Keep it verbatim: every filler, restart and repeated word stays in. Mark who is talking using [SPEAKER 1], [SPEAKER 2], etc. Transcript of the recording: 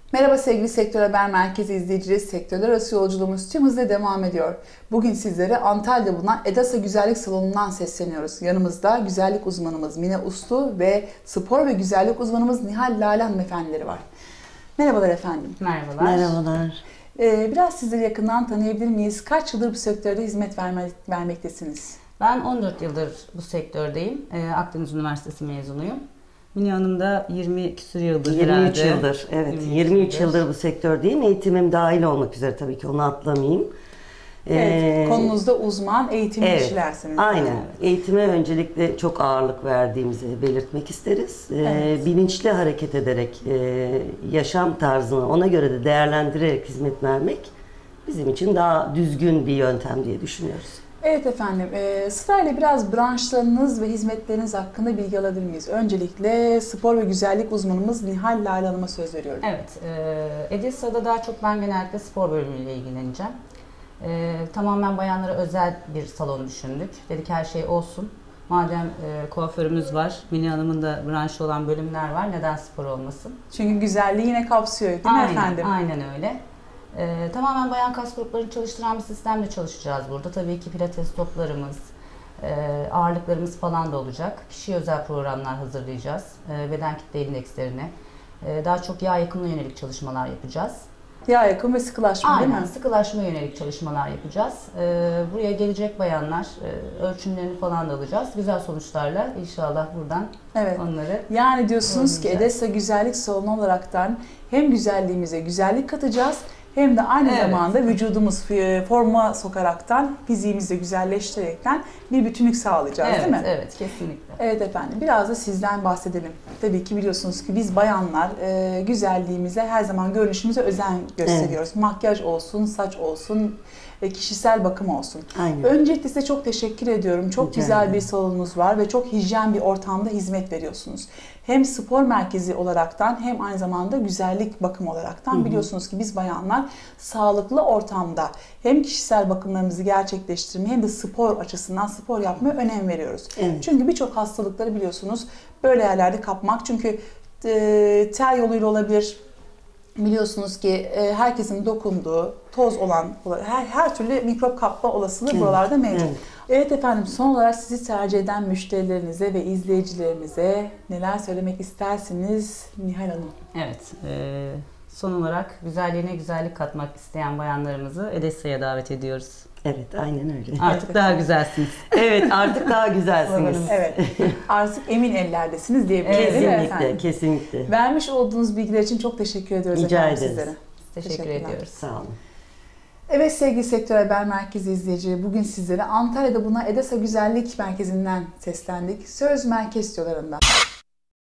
[SPEAKER 1] Merhaba sevgili Sektör Haber Merkezi izleyicileri, sektörler arası yolculuğumuz tüm hızla devam ediyor. Bugün sizlere Antalya'da bulunan Edasa Güzellik Salonu'ndan sesleniyoruz. Yanımızda güzellik uzmanımız Mine Uslu ve spor ve güzellik uzmanımız Nihal Lale hanımefendileri var. Merhabalar efendim.
[SPEAKER 2] Merhabalar.
[SPEAKER 3] Merhabalar.
[SPEAKER 1] Ee, biraz sizleri yakından tanıyabilir miyiz? Kaç yıldır bu sektörde hizmet verme, vermektesiniz?
[SPEAKER 2] Ben on dört yıldır bu sektördeyim. Ee, Akdeniz Üniversitesi mezunuyum. Mine Hanım da yirmi küsur yıldır
[SPEAKER 3] yirmi üç
[SPEAKER 2] herhalde.
[SPEAKER 3] yıldır, evet.
[SPEAKER 2] yirmi üç
[SPEAKER 3] yirmi üç yıldır bu sektördeyim. Eğitimim dahil olmak üzere, tabii ki onu atlamayayım.
[SPEAKER 1] Evet,
[SPEAKER 3] Ee,
[SPEAKER 1] konunuzda uzman, eğitimli
[SPEAKER 3] evet,
[SPEAKER 1] kişilersiniz.
[SPEAKER 3] aynen.
[SPEAKER 1] Evet.
[SPEAKER 3] Eğitime öncelikle çok ağırlık verdiğimizi belirtmek isteriz. Ee,
[SPEAKER 1] Evet.
[SPEAKER 3] Bilinçli hareket ederek, e, yaşam tarzını ona göre de değerlendirerek hizmet vermek bizim için daha düzgün bir yöntem diye düşünüyoruz.
[SPEAKER 1] Evet efendim, e, sırayla biraz branşlarınız ve hizmetleriniz hakkında bilgi alabilir miyiz? Öncelikle spor ve güzellik uzmanımız Nihal Lale Hanım'a söz veriyorum.
[SPEAKER 2] Evet, e, Edisa'da daha çok ben genellikle spor bölümüyle ilgileneceğim. E, tamamen bayanlara özel bir salon düşündük. Dedik her şey olsun. Madem e, kuaförümüz var, Mine Hanım'ın da branşı olan bölümler var, neden spor olmasın?
[SPEAKER 1] Çünkü güzelliği yine kapsıyor değil mi
[SPEAKER 2] Aynen,
[SPEAKER 1] efendim?
[SPEAKER 2] aynen öyle. Ee, tamamen bayan kas gruplarını çalıştıran bir sistemle çalışacağız burada. Tabii ki pilates toplarımız, e, ağırlıklarımız falan da olacak. Kişiye özel programlar hazırlayacağız. E, beden kitle indekslerine. E, daha çok yağ yakımına yönelik çalışmalar yapacağız.
[SPEAKER 1] Yağ yakım ve sıkılaşma değil
[SPEAKER 2] Aynen,
[SPEAKER 1] mi?
[SPEAKER 2] sıkılaşma yönelik çalışmalar yapacağız. E, buraya gelecek bayanlar, e, ölçümlerini falan da alacağız. Güzel sonuçlarla inşallah buradan
[SPEAKER 1] Evet.
[SPEAKER 2] onları...
[SPEAKER 1] Yani diyorsunuz ki
[SPEAKER 2] Olmayacak.
[SPEAKER 1] Edessa Güzellik Salonu olaraktan hem güzelliğimize güzellik katacağız, hem de aynı
[SPEAKER 2] Evet.
[SPEAKER 1] zamanda vücudumuz e, forma sokaraktan, fiziğimizi de güzelleştirerekten bir bütünlük sağlayacağız
[SPEAKER 2] Evet,
[SPEAKER 1] değil mi?
[SPEAKER 2] evet, kesinlikle.
[SPEAKER 1] Evet efendim, biraz da sizden bahsedelim. Tabii ki biliyorsunuz ki biz bayanlar e, güzelliğimize, her zaman görünüşümüze özen gösteriyoruz. Makyaj olsun, saç olsun, e, kişisel bakım olsun.
[SPEAKER 3] Aynen.
[SPEAKER 1] Öncelikle size çok teşekkür ediyorum. Çok
[SPEAKER 3] Rica
[SPEAKER 1] güzel
[SPEAKER 3] ederim.
[SPEAKER 1] bir salonunuz var ve çok hijyen bir ortamda hizmet veriyorsunuz. Hem spor merkezi olaraktan hem aynı zamanda güzellik bakım olaraktan.
[SPEAKER 3] Hı hı.
[SPEAKER 1] Biliyorsunuz ki biz bayanlar sağlıklı ortamda hem kişisel bakımlarımızı gerçekleştirmeye hem de spor açısından spor yapmaya önem veriyoruz.
[SPEAKER 3] Evet.
[SPEAKER 1] Çünkü birçok hastalıkları biliyorsunuz böyle yerlerde kapmak. Çünkü e, ter yoluyla olabilir. Biliyorsunuz ki e, herkesin dokunduğu, toz olan, her, her türlü mikrop kapma olasılığı
[SPEAKER 3] Evet,
[SPEAKER 1] buralarda mevcut.
[SPEAKER 3] evet.
[SPEAKER 1] Evet efendim, son olarak sizi tercih eden müşterilerinize ve izleyicilerimize neler söylemek istersiniz Nihal Hanım?
[SPEAKER 2] Evet, e, son olarak güzelliğine güzellik katmak isteyen bayanlarımızı Edessa'ya davet ediyoruz.
[SPEAKER 3] Evet, aynen öyle.
[SPEAKER 2] Artık daha güzelsiniz.
[SPEAKER 3] Evet, artık daha güzelsiniz.
[SPEAKER 2] Sloganımız.
[SPEAKER 1] Evet, artık emin ellerdesiniz diyebiliriz değil mi
[SPEAKER 3] Kesinlikle,
[SPEAKER 1] efendim?
[SPEAKER 3] kesinlikle.
[SPEAKER 1] Vermiş olduğunuz bilgiler için çok teşekkür ediyoruz
[SPEAKER 3] Rica
[SPEAKER 1] efendim
[SPEAKER 3] ederiz.
[SPEAKER 1] sizlere.
[SPEAKER 2] Teşekkür
[SPEAKER 1] Teşekkürler.
[SPEAKER 2] ediyoruz.
[SPEAKER 3] Sağ olun.
[SPEAKER 1] Evet sevgili Sektör Haber Merkezi izleyicileri, bugün sizlere Antalya'da bulunan Edasa Güzellik Merkezi'nden seslendik. Söz Merkez stüdyolarında.